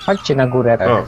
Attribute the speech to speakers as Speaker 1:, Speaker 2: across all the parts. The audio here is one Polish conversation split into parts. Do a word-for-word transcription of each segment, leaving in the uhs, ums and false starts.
Speaker 1: Chodźcie na górę.
Speaker 2: O.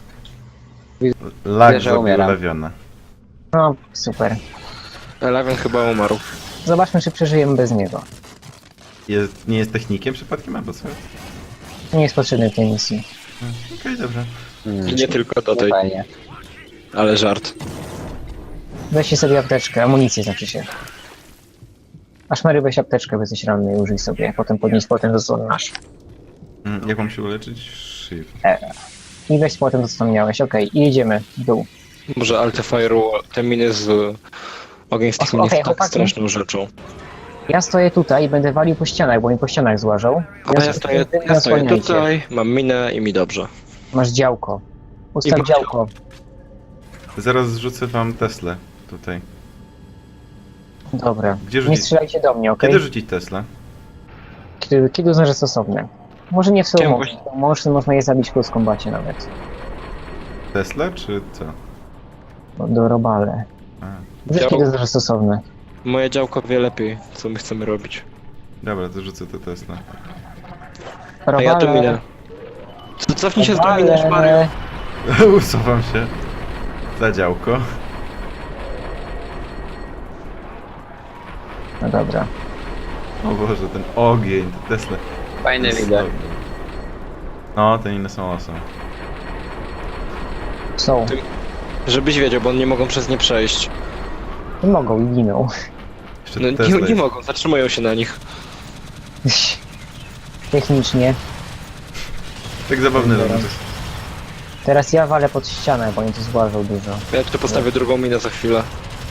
Speaker 2: Lag
Speaker 3: że
Speaker 2: zabił
Speaker 3: umieram.
Speaker 2: Lewiona.
Speaker 1: No, super.
Speaker 4: Eleven chyba umarł.
Speaker 1: Zobaczmy, czy przeżyjemy bez niego.
Speaker 2: Jest, nie jest technikiem przypadkiem, albo co?
Speaker 1: Nie jest potrzebny w tej misji.
Speaker 2: Okej, dobrze.
Speaker 3: Hmm.
Speaker 4: I nie tylko do
Speaker 3: Nie
Speaker 4: tej,
Speaker 3: fajnie.
Speaker 4: ale żart.
Speaker 1: Weźcie sobie apteczkę, amunicję znaczy się. Aż Mary weź apteczkę, bo jesteś ranny i użyj sobie. Potem podnieś potem do co masz.
Speaker 2: Mm, Jak mam się uleczyć? Shift.
Speaker 1: I weź potem to co tam miałeś. Okej, i jedziemy w dół.
Speaker 4: Może Altefire'u te miny z ogień z tych min
Speaker 1: Okej,
Speaker 4: jest tak
Speaker 1: chłopaki.
Speaker 4: straszną rzeczą.
Speaker 1: Ja stoję tutaj i będę walił po ścianach, bo mi po ścianach złażą.
Speaker 4: A ja stoję,
Speaker 1: Wy mnie
Speaker 4: ja stoję
Speaker 1: osłaniajcie.
Speaker 4: tutaj, mam minę i mi dobrze.
Speaker 1: Masz działko. Ustaw
Speaker 4: mam
Speaker 1: działko.
Speaker 2: Zaraz zrzucę wam Teslę tutaj.
Speaker 1: Dobra.
Speaker 2: Gdzie
Speaker 1: Nie
Speaker 2: rzucić?
Speaker 1: strzelajcie do mnie, okej?
Speaker 2: Kiedy rzucić Teslę?
Speaker 1: Kiedy, kiedy uznasz, że stosowne? Może nie w
Speaker 4: Chciałem
Speaker 1: sumie. Może można je zabić w close kombacie nawet.
Speaker 2: Teslę, czy co?
Speaker 1: No, do robale.
Speaker 2: A,
Speaker 1: Wiesz,
Speaker 4: Dział-
Speaker 1: kiedy uznasz, że stosowne?
Speaker 4: Moje działko wie lepiej, co my chcemy robić.
Speaker 2: dobra, to rzucę tę Teslę.
Speaker 4: A ja to minę. Co- Cofnij się z do minę, Mario.
Speaker 2: Usuwam się. Za działko.
Speaker 1: No dobra.
Speaker 2: O Boże, ten ogień, te Tesla.
Speaker 3: Fajny
Speaker 2: Jest
Speaker 3: lider.
Speaker 2: dobry. No, te inne są awesome.
Speaker 1: Są.
Speaker 4: Ty- Żebyś wiedział, bo oni nie mogą przez nie przejść.
Speaker 1: Nie mogą i giną.
Speaker 2: Jeszcze
Speaker 4: No
Speaker 2: te
Speaker 4: nie,
Speaker 2: Tesla
Speaker 4: nie
Speaker 2: jest.
Speaker 4: mogą, zatrzymują się na nich.
Speaker 1: Technicznie.
Speaker 2: Tak zabawny
Speaker 1: Dobra.
Speaker 2: robię.
Speaker 1: Teraz ja walę pod ścianę, bo oni tu zgłażą dużo.
Speaker 4: Ja tu postawię drugą minę za chwilę.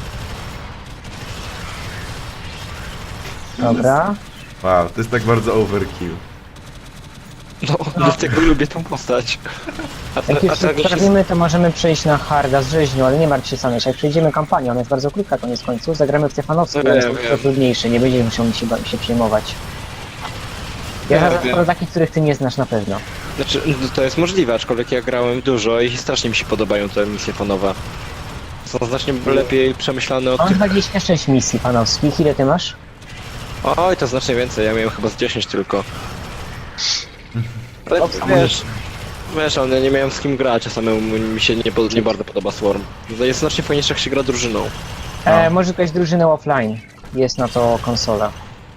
Speaker 1: Dobra.
Speaker 2: Wow, to jest tak bardzo overkill.
Speaker 4: No, dlatego lubię tą postać. A, te,
Speaker 1: Jak już
Speaker 4: a tak się...
Speaker 1: sprawimy, to możemy przejść na harda z rzeźnią, ale nie martw się Saneś. Jak przejdziemy kampanię, ona jest bardzo krótka koniec końców, zagramy w Stefanowski,
Speaker 4: No
Speaker 1: ale
Speaker 4: wiem,
Speaker 1: jest
Speaker 4: wiem.
Speaker 1: to trudniejsze, nie będziemy musiał się, ba- się przejmować. Ja
Speaker 4: Ja
Speaker 1: zaraz
Speaker 4: wiem.
Speaker 1: pro takich, których ty nie znasz na pewno.
Speaker 4: Znaczy, no to jest możliwe, aczkolwiek ja grałem dużo i strasznie mi się podobają te misje fonowe. Są znacznie lepiej przemyślane od
Speaker 1: Mam
Speaker 4: tych...
Speaker 1: dwadzieścia sześć misji panowskich, ile ty masz?
Speaker 4: Oj, to znacznie więcej, ja miałem chyba z dziesięć tylko. Ale wiesz, wiesz, ale ja nie miałem z kim grać, a samemu mi się nie, pod- nie bardzo podoba Swarm. Jest znacznie fajniejsze, jak się gra drużyną.
Speaker 1: E, może grać drużynę offline. Jest na to konsola.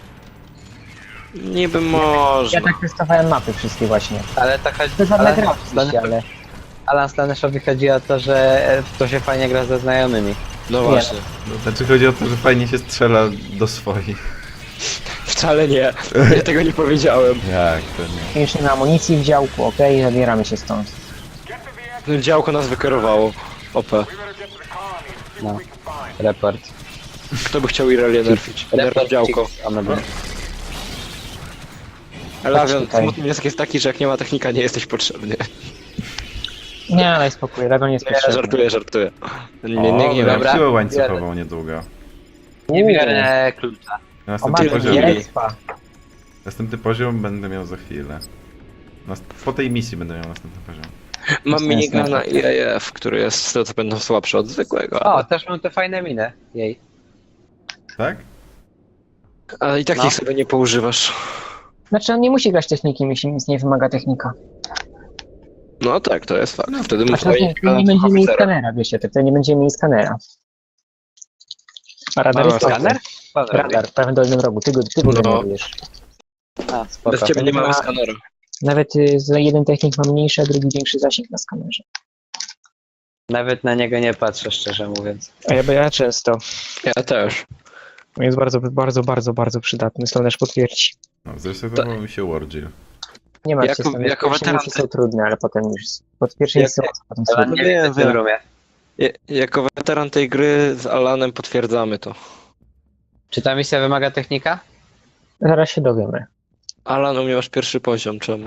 Speaker 4: Niby
Speaker 1: Ja
Speaker 4: można.
Speaker 1: tak testowałem mapy wszystkie właśnie.
Speaker 3: Ale to chodzi...
Speaker 1: To żadna
Speaker 3: ale-
Speaker 1: gra oczywiście, ale...
Speaker 3: Alan Staneszowi chodzi o to, że w to się fajnie gra ze znajomymi.
Speaker 4: No właśnie.
Speaker 2: Znaczy chodzi o to, że fajnie się strzela do swoich.
Speaker 4: Wcale nie. Ja tego nie powiedziałem.
Speaker 2: Jak to nie?
Speaker 1: Mieliśmy na amunicji w działku, okej, zabieramy się stąd.
Speaker 4: No, działko nas wykierowało. O P.
Speaker 3: No. Report.
Speaker 4: Kto by chciał Irelię nerfić? Nerf działko.
Speaker 3: One były.
Speaker 4: Elavion,
Speaker 1: tutaj.
Speaker 4: smutny wniosek jest taki, że jak nie ma technika, nie jesteś potrzebny.
Speaker 1: Nie, ale spokój, Dragon jest
Speaker 4: Nie,
Speaker 1: potrzebny.
Speaker 4: żartuję, żartuję. Nie,
Speaker 2: O,
Speaker 4: nie, nie, nie
Speaker 2: mam
Speaker 3: dobra.
Speaker 2: siłę łańcuchową niedługo.
Speaker 3: Nie biorę klucza.
Speaker 2: Następny
Speaker 1: O, mamy
Speaker 4: poziom.
Speaker 2: poziom,
Speaker 1: expa.
Speaker 2: następny poziom będę miał za chwilę. Nas- Po tej misji będę miał następny poziom.
Speaker 4: Mam
Speaker 1: Jest
Speaker 4: minigana I A F, który jest z tego co będą słabszy od zwykłego.
Speaker 3: O,
Speaker 4: Ale,
Speaker 3: też mam te fajne miny. Jej.
Speaker 2: Tak?
Speaker 4: ale i tak
Speaker 3: No.
Speaker 4: ich sobie nie poużywasz.
Speaker 1: Znaczy on nie musi grać techniki, jeśli nic nie wymaga technika.
Speaker 4: No tak, to jest fakt. Wtedy
Speaker 1: A
Speaker 4: muszę
Speaker 1: to nie, nie będziemy mieli skanera, wiecie, to wtedy nie będziemy mieli skanera. A radar
Speaker 4: Mamy
Speaker 1: jest
Speaker 3: Skaner?
Speaker 1: Radar, w prawym dolnym rogu, ty go, ty go
Speaker 4: No.
Speaker 1: generujesz.
Speaker 3: A, spoko.
Speaker 4: Bez ciebie nie mamy
Speaker 1: Ma-
Speaker 4: skanera.
Speaker 1: Nawet y, za jeden technik ma mniejszy, a drugi większy zasięg na skanerze.
Speaker 3: Nawet na niego nie patrzę, szczerze mówiąc.
Speaker 1: A ja, ja często.
Speaker 4: Ja też.
Speaker 1: On jest bardzo, bardzo, bardzo, bardzo przydatny, Slanesh potwierdzi.
Speaker 2: No, zresetował mi się Warjill.
Speaker 1: Nie ma
Speaker 4: Jako-
Speaker 1: się
Speaker 4: jako
Speaker 1: pierwsze
Speaker 4: weteran
Speaker 1: misje są trudne, ale potem już pod pierwsze
Speaker 4: Jak-
Speaker 1: misje łatwo, potem
Speaker 3: Ale
Speaker 1: są
Speaker 3: nie
Speaker 4: wiem,
Speaker 3: wiem, w tym
Speaker 4: wiem.
Speaker 3: roomie.
Speaker 4: Ja, jako weteran tej gry z Alanem potwierdzamy to.
Speaker 3: Czy ta misja wymaga technika?
Speaker 1: Zaraz się dowiemy.
Speaker 4: Alan, u mnie masz pierwszy poziom, czemu?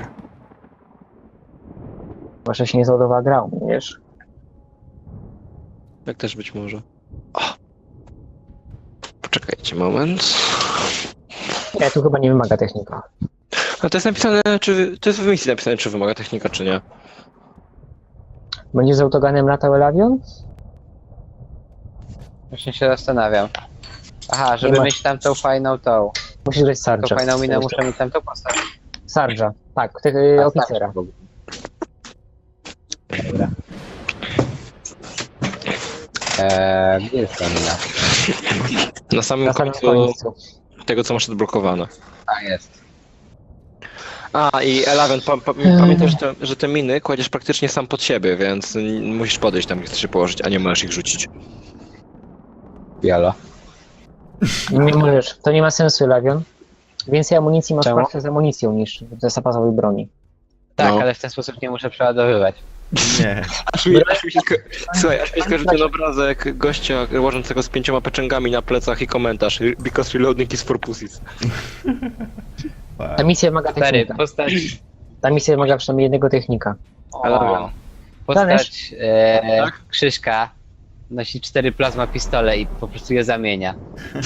Speaker 1: Może się nie załadowała gra, u mnie, wiesz?
Speaker 4: Jak też być może. O! Poczekajcie moment.
Speaker 1: Nie, tu chyba nie wymaga technika.
Speaker 4: A to jest napisane, czy... To jest w misji napisane, czy wymaga technika, czy nie.
Speaker 1: Będzie z autoganem latał Elavion?
Speaker 3: Właśnie się zastanawiam. Aha, żeby
Speaker 1: Nie ma-
Speaker 3: mieć tamtą fajną tą.
Speaker 1: Musisz grać
Speaker 3: Tą
Speaker 1: Sarge'a.
Speaker 3: fajną minę muszę mieć tamtą postać.
Speaker 1: Sarge'a, tak, tego y,
Speaker 3: A,
Speaker 1: oficera.
Speaker 3: tak. Dobra. Eee, gdzie jest ta mina?
Speaker 4: Na samym
Speaker 1: Na samym
Speaker 4: końcu
Speaker 1: końcu.
Speaker 4: tego, co masz odblokowane.
Speaker 3: A, jest.
Speaker 4: A, i Eleven, pa, pa, pamiętaj, że te, że te miny kładziesz praktycznie sam pod siebie, więc musisz podejść tam, gdzie chcesz je położyć, a nie możesz ich rzucić.
Speaker 3: Jalo.
Speaker 1: Nie możesz, to nie ma sensu, Lawion. Więcej amunicji masz
Speaker 3: Czemu?
Speaker 1: zawsze z amunicją niż ze zapasowej broni.
Speaker 3: Tak,
Speaker 4: No.
Speaker 3: ale w ten sposób nie muszę przeładowywać.
Speaker 2: Nie.
Speaker 4: Aż mi, aż mi się sko- Słuchaj, aż mi skojarzył ten obrazek gościa łożącego z pięcioma peczęgami na plecach i komentarz because reloading is for pussies.
Speaker 1: Ta misja wymaga
Speaker 3: Stary,
Speaker 1: technika.
Speaker 3: postać...
Speaker 1: Ta misja wymaga przynajmniej jednego technika.
Speaker 3: O,
Speaker 1: Danysz?
Speaker 3: postać e,
Speaker 4: Tak?
Speaker 3: Krzyśka nosi cztery plazma pistole i po prostu je zamienia.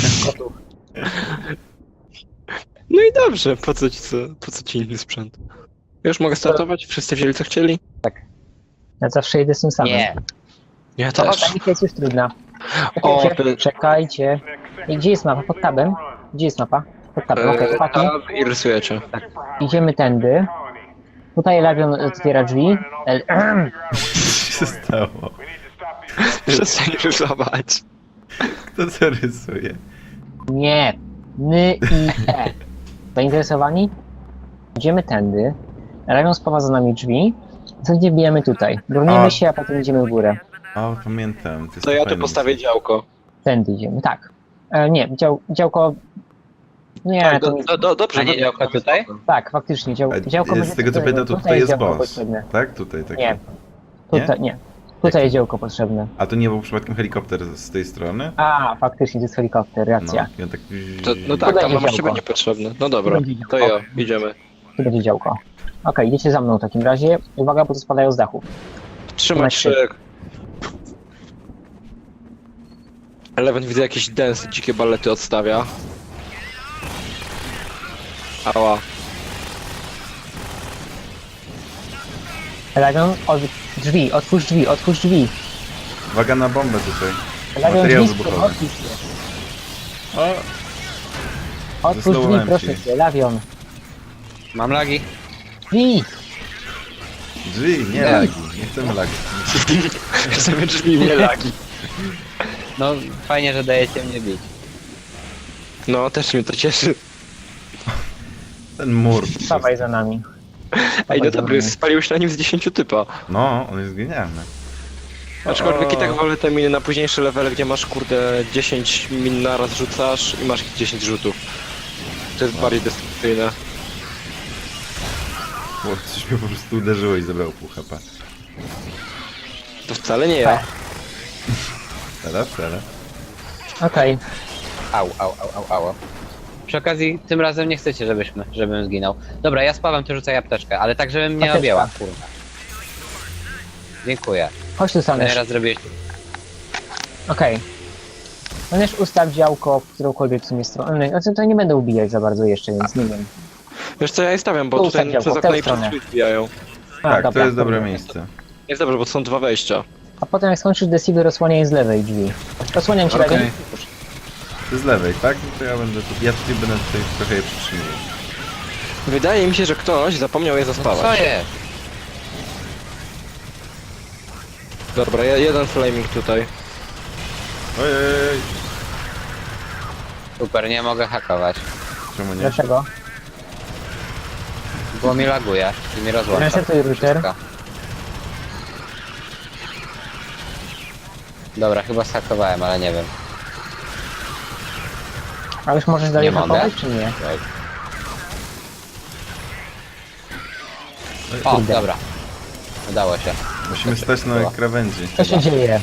Speaker 4: No i dobrze, po co ci, co, po co ci inny sprzęt? Już mogę startować? Wszyscy wzięli co chcieli?
Speaker 1: Ja zawsze jedę z tym samym.
Speaker 3: Nie,
Speaker 4: Ja
Speaker 1: To,
Speaker 4: też.
Speaker 1: ta misja jest już trudna.
Speaker 4: O,
Speaker 1: Czekajcie,
Speaker 4: ty-
Speaker 1: czekajcie. I gdzie jest mapa? Pod tabem? Gdzie jest mapa? Pod tabem, okej,
Speaker 4: Eee,
Speaker 1: chłopaki.
Speaker 4: a, I rysujecie.
Speaker 1: Idziemy tędy. Tutaj Lawion otwiera drzwi. El-
Speaker 2: Co się stało?
Speaker 4: Przestań rysować.
Speaker 2: Kto co rysuje?
Speaker 1: Nie. Ny i e. Zainteresowani? Idziemy tędy. Lawion spowa za nami drzwi. Następnie wbijamy tutaj. Brunimy
Speaker 2: A.
Speaker 1: się, a potem idziemy w górę.
Speaker 2: O, pamiętam. To, jest
Speaker 4: To ja tu
Speaker 2: fajne.
Speaker 4: postawię działko.
Speaker 1: Tędy idziemy, tak. E, nie, dział, działko... Nie,
Speaker 4: Tak,
Speaker 1: to
Speaker 4: do,
Speaker 1: nie...
Speaker 4: do, do, dobrze.
Speaker 3: A nie
Speaker 4: do-
Speaker 3: działko tutaj?
Speaker 1: Tak, faktycznie, dział,
Speaker 2: A
Speaker 1: działko...
Speaker 2: jest-
Speaker 1: będzie
Speaker 2: Z tego co
Speaker 1: tutaj-
Speaker 2: pamiętam, to tutaj jest
Speaker 1: działko
Speaker 2: boss.
Speaker 1: potrzebne.
Speaker 2: Tak? Tutaj taki.
Speaker 1: Nie. Tutaj, nie. Tutaj jest działko potrzebne.
Speaker 2: A to nie był przypadkiem helikopter z tej strony?
Speaker 1: A, faktycznie, to jest helikopter, racja.
Speaker 2: No, i on tak...
Speaker 4: To, no tak,
Speaker 1: Tutaj
Speaker 4: tam
Speaker 1: jest
Speaker 4: masz
Speaker 1: działko.
Speaker 4: ciebie niepotrzebne. No dobra,
Speaker 1: Będzie działko.
Speaker 4: to ja, idziemy.
Speaker 1: Tu będzie działko. Okej, idziecie za mną w takim razie. Uwaga, bo to spadają z dachu.
Speaker 4: Trzymać
Speaker 1: Trzymaj
Speaker 4: się. Eleven widzę jakieś dance, dzikie balety odstawia. Ała.
Speaker 1: Lawion, od... drzwi, otwórz drzwi, otwórz drzwi.
Speaker 2: Uwaga na bombę tutaj.
Speaker 1: Lawion,
Speaker 2: Materiał
Speaker 1: drzwi,
Speaker 2: wybuchowy.
Speaker 1: otwórz je.
Speaker 2: O!
Speaker 1: Otwórz drzwi,
Speaker 2: Zesnąłem
Speaker 1: proszę
Speaker 2: ci.
Speaker 1: cię, Lawion.
Speaker 3: Mam lagi.
Speaker 1: Drzwi!
Speaker 2: Drzwi, nie
Speaker 3: Nie.
Speaker 2: lagi. Nie chcemy lagi.
Speaker 4: Sobie drzwi nie lagi.
Speaker 3: No, fajnie, że dajecie mnie bić.
Speaker 4: No, też mnie to cieszy.
Speaker 2: Ten mur.
Speaker 1: Stawaj za nami.
Speaker 4: Ej, no dobry, spaliłeś na nim z dziesięciu typa.
Speaker 2: No, on jest genialny.
Speaker 4: Aczkolwiek i
Speaker 2: O.
Speaker 4: tak wolę te miny na późniejsze levele, gdzie masz kurde dziesięć min naraz rzucasz i masz ich dziesięć rzutów. To jest bardziej destrukcyjne.
Speaker 2: Bo coś mnie po prostu uderzyło i zabrało pół H P.
Speaker 4: To wcale nie ja.
Speaker 2: Teraz, teraz.
Speaker 1: Okej,
Speaker 3: Au, au, au, au, au. Przy okazji, tym razem nie chcecie, żebyśmy, żebym zginął. Dobra, ja spawam, ty rzucaj apteczkę, ale tak, żebym nie
Speaker 1: Apteczka.
Speaker 3: objęła, kurwa. Dziękuję.
Speaker 1: chodź tu, Sanesz.
Speaker 3: Teraz zrobiłeś...
Speaker 1: Okej. Sanesz, ustaw działko w którąkolwiek w sumie stronę. Znaczy, to nie będę ubijać za bardzo jeszcze, więc nie wiem.
Speaker 4: Wiesz co, ja je stawiam, bo
Speaker 1: Tu
Speaker 4: tutaj
Speaker 1: ustaw
Speaker 4: przez
Speaker 1: działko, w tę
Speaker 4: okno i przez
Speaker 1: stronę.
Speaker 4: drzwi wbijają.
Speaker 1: A,
Speaker 2: Tak, to
Speaker 1: dobra.
Speaker 2: jest dobre miejsce.
Speaker 4: Jest dobrze, bo to są dwa wejścia.
Speaker 1: A potem jak skończysz Deceiver, rozsłaniaj z lewej drzwi. Rozsłaniam ci
Speaker 2: Okej.
Speaker 1: lewej.
Speaker 2: To z lewej, tak? No to ja będę tu, ja tutaj będę tutaj trochę je przytrzymywał.
Speaker 4: Wydaje mi się, że ktoś zapomniał je
Speaker 3: Co
Speaker 4: zaspawać.
Speaker 3: jest?
Speaker 4: Dobra, je- jeden flaming tutaj.
Speaker 2: Ojej,
Speaker 3: Super, nie mogę hakować.
Speaker 2: czemu nie?
Speaker 1: Dlaczego?
Speaker 3: Bo mi laguje i mi rozłącza.
Speaker 1: Resetuj router.
Speaker 3: wszystko. Dobra, chyba zhakowałem, ale nie wiem.
Speaker 1: A już możesz dalej
Speaker 3: Nie mogę.
Speaker 1: hakować, czy nie?
Speaker 3: O,
Speaker 1: Kurde.
Speaker 3: dobra. Udało się.
Speaker 2: Musimy stać na
Speaker 3: Była.
Speaker 2: krawędzi.
Speaker 1: Co się dzieje?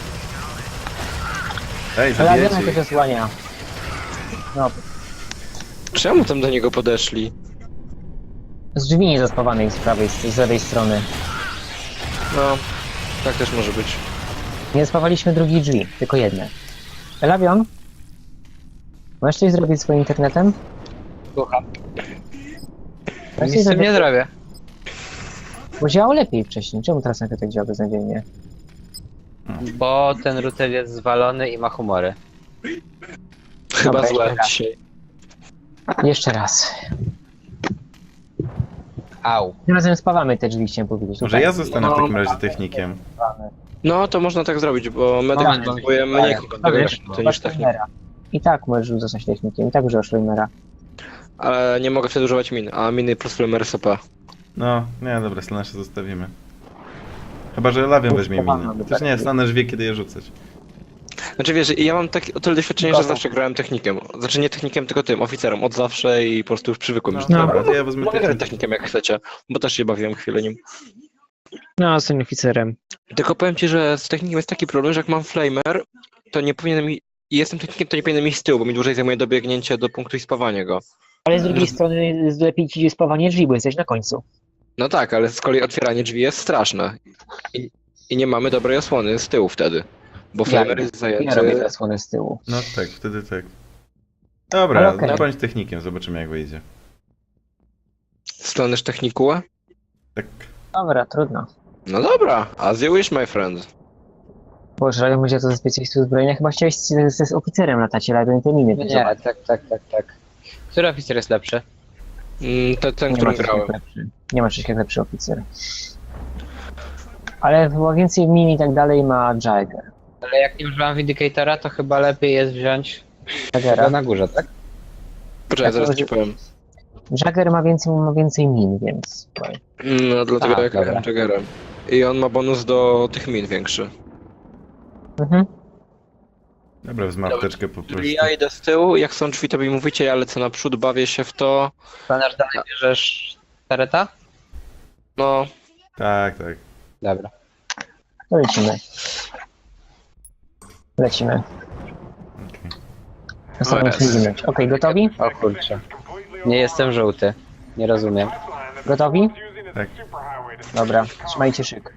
Speaker 2: Ej,
Speaker 1: Lawiona
Speaker 2: zabijecie
Speaker 1: to
Speaker 2: ich.
Speaker 1: się osłania. No,
Speaker 4: Czemu tam do niego podeszli?
Speaker 1: z drzwi niezaspawanej z prawej, z lewej strony.
Speaker 4: No, tak też może być.
Speaker 1: Nie zaspawaliśmy drugich drzwi, tylko jedne. Lawion? Możesz coś zrobić swoim internetem?
Speaker 3: Słucham.
Speaker 1: Możesz
Speaker 3: Nic
Speaker 1: coś
Speaker 3: z tym nie
Speaker 1: zrobić?
Speaker 3: zrobię.
Speaker 1: Bo działało lepiej wcześniej. Czemu teraz nagle tak działa beznadziejnie?
Speaker 3: Bo ten router jest zwalony i ma humory.
Speaker 4: Chyba
Speaker 1: Dobra,
Speaker 4: złe
Speaker 1: jeszcze raz.
Speaker 4: dzisiaj.
Speaker 1: Jeszcze raz.
Speaker 3: Au.
Speaker 1: Tym razem spawamy te drzwi, chciałem powiedzieć.
Speaker 2: Może
Speaker 1: Tutaj.
Speaker 2: ja zostanę w
Speaker 4: No,
Speaker 2: takim razie technikiem.
Speaker 4: No to można tak zrobić, bo medyk
Speaker 3: Moment,
Speaker 4: potrzebuje
Speaker 3: moment.
Speaker 4: mniej
Speaker 3: Dobra,
Speaker 4: kontaktu
Speaker 1: Dobra,
Speaker 4: niż technik.
Speaker 1: Schleimera. I tak możesz zostać technikiem, i tak używasz Schleimera.
Speaker 4: Ale nie mogę wtedy używać min, a miny plus flamer S P.
Speaker 2: No, nie, dobra, Slanesha zostawimy. Chyba, że Lawion weźmie miny. Chociaż nie, Slanesh wie, kiedy je rzucać.
Speaker 4: Znaczy wiesz, ja mam tak, o tyle doświadczenie, że
Speaker 1: Gotow.
Speaker 4: zawsze grałem technikiem. Znaczy nie technikiem, tylko tym, oficerem, od zawsze i po prostu już przywykłem już
Speaker 2: No,
Speaker 4: do
Speaker 2: dobra,
Speaker 4: tego.
Speaker 2: to ja wezmę
Speaker 4: Mogę grać
Speaker 2: technikę.
Speaker 4: technikiem jak chcecie, bo też się bawiłem chwilę nim.
Speaker 1: No, jestem oficerem.
Speaker 4: Tylko powiem ci, że z technikiem jest taki problem, że jak mam flamer, to nie powinienem i i jestem technikiem, to nie powinienem iść z tyłu, bo mi dłużej zajmuje dobiegnięcie do punktu i spawanie go.
Speaker 1: Ale z drugiej strony lepiej ci spawanie drzwi, bo jesteś na końcu.
Speaker 4: No tak, ale z kolei otwieranie drzwi jest straszne. I, i nie mamy dobrej osłony z tyłu wtedy. Bo flamer jest
Speaker 1: Ja robię
Speaker 4: zajęty.
Speaker 1: zasłonę z tyłu.
Speaker 2: No tak, wtedy tak. Dobra,
Speaker 1: Ale okej.
Speaker 2: no bądź technikiem, zobaczymy jak wyjdzie.
Speaker 4: Staniesz technikułę?
Speaker 2: Tak.
Speaker 1: Dobra, trudno.
Speaker 4: No dobra, as you wish, my friend.
Speaker 1: Boże, ale będzie to ze specjalistów zbrojenia. Chyba chciałeś z, z, z oficerem latać, ale ten te miny.
Speaker 3: Nie,
Speaker 1: zobacz.
Speaker 3: tak, tak, tak, tak. Który oficer jest lepszy?
Speaker 4: Mm, Ten, ten
Speaker 1: Nie ma
Speaker 4: którym
Speaker 1: czegoś
Speaker 4: grałem.
Speaker 1: jak lepszy. Nie ma czegoś jak lepszy oficer. Ale chyba więcej min i tak dalej ma Jagger.
Speaker 3: Ale jak nie używam Vindicatora, to chyba lepiej jest wziąć
Speaker 1: Jaggera.
Speaker 3: go na górze, tak?
Speaker 4: Poczekaj,
Speaker 1: Tak,
Speaker 4: zaraz
Speaker 1: to
Speaker 4: ci powiem.
Speaker 1: Jagger ma więcej, ma więcej min, więc...
Speaker 4: No dlatego
Speaker 3: A,
Speaker 4: jak
Speaker 3: dobra.
Speaker 4: grałem Jaggerem. I on ma bonus do tych min większy.
Speaker 1: Mhm.
Speaker 2: Dobra, wezmę apteczkę po prostu.
Speaker 4: Czyli ja idę z tyłu, jak są drzwi, to mi mówicie, ja lecę naprzód, bawię się w to.
Speaker 3: Planerz, dalej bierzesz Tareta?
Speaker 4: No,
Speaker 2: Tak, tak.
Speaker 3: Dobra.
Speaker 1: To lecimy. Lecimy.
Speaker 2: Okej.
Speaker 1: Ostatnią
Speaker 4: Oraz.
Speaker 1: chwilę. Okej, gotowi?
Speaker 3: O kurczę. Nie jestem żółty. Nie rozumiem.
Speaker 1: Gotowi?
Speaker 2: Tak.
Speaker 1: Dobra, trzymajcie szyk.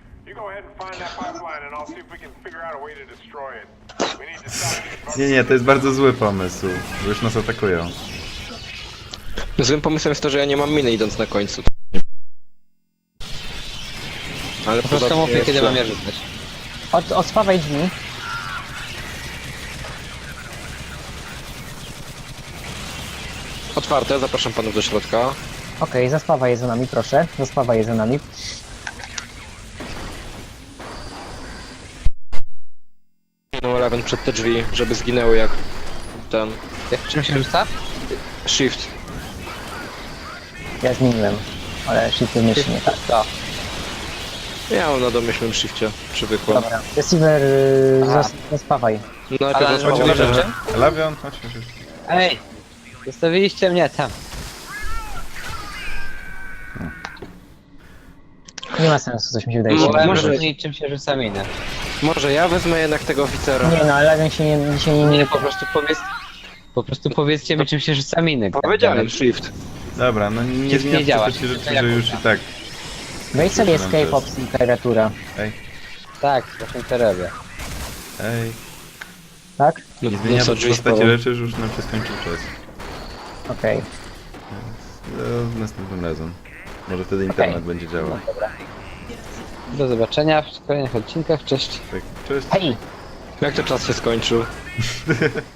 Speaker 2: Nie, nie, to jest bardzo zły pomysł, bo już nas atakują.
Speaker 4: złym pomysłem jest to, że ja nie mam miny idąc na końcu. Ale
Speaker 3: Po prostu mówię, kiedy mam je rzucać.
Speaker 1: Od, odspawaj drzwi.
Speaker 4: Otwarte, zapraszam panów do środka.
Speaker 1: Okej, zaspawaj je za nami, proszę. Zaspawaj je za nami.
Speaker 4: No Eleven przed te drzwi, żeby zginęły jak ten
Speaker 3: Jak czym się rzuca?
Speaker 4: shift.
Speaker 1: Ja zmieniłem. Ale szybko myśli nie tak.
Speaker 3: To.
Speaker 4: Ja mam na domyślnym shifcie, przywykłem.
Speaker 1: Dobra. Receiver, y,
Speaker 3: Aha.
Speaker 1: zas- zaspawaj.
Speaker 4: Najpierw
Speaker 3: Ale-
Speaker 4: rozmawiam,
Speaker 3: Chodź,
Speaker 4: że...
Speaker 3: Lawion.
Speaker 2: Lawion, chodź, chodź. chodź.
Speaker 3: Ej! Zostawiliście mnie tam.
Speaker 1: Nie ma sensu, coś mi się wydaje.
Speaker 4: Mo-
Speaker 3: Chciałem
Speaker 4: może-
Speaker 3: rozróżnić, czym się rzuca minę.
Speaker 4: Może ja wezmę jednak tego oficera.
Speaker 1: Nie no, ale Legion się nie, dzisiaj nie,
Speaker 3: Nie,
Speaker 1: nie...
Speaker 3: po prostu powiedz... Po prostu powiedzcie mi, czym się rzuca miny.
Speaker 4: Powiedziałem shift.
Speaker 2: Dobra, no nie
Speaker 3: Shift
Speaker 2: zmienia
Speaker 3: nie działa,
Speaker 2: się rzeczy,
Speaker 3: shift
Speaker 2: że już i tak.
Speaker 1: Wejdź sobie
Speaker 2: Nam
Speaker 1: escape
Speaker 2: to
Speaker 1: opcji klawiatura.
Speaker 2: Ej,
Speaker 3: Tak, właśnie to robię.
Speaker 2: ej.
Speaker 1: Tak?
Speaker 4: No,
Speaker 2: Nie zmienia
Speaker 4: co,
Speaker 2: w
Speaker 4: drzwi
Speaker 2: postaci
Speaker 4: spalą.
Speaker 2: rzeczy, że już nam się skończył czas.
Speaker 1: Okej.
Speaker 2: No, następnym razem. Może wtedy internet będzie działał.
Speaker 3: Do zobaczenia w kolejnych odcinkach. Cześć.
Speaker 2: Tak, cześć.
Speaker 1: Hej!
Speaker 4: Jak to czas się skończył?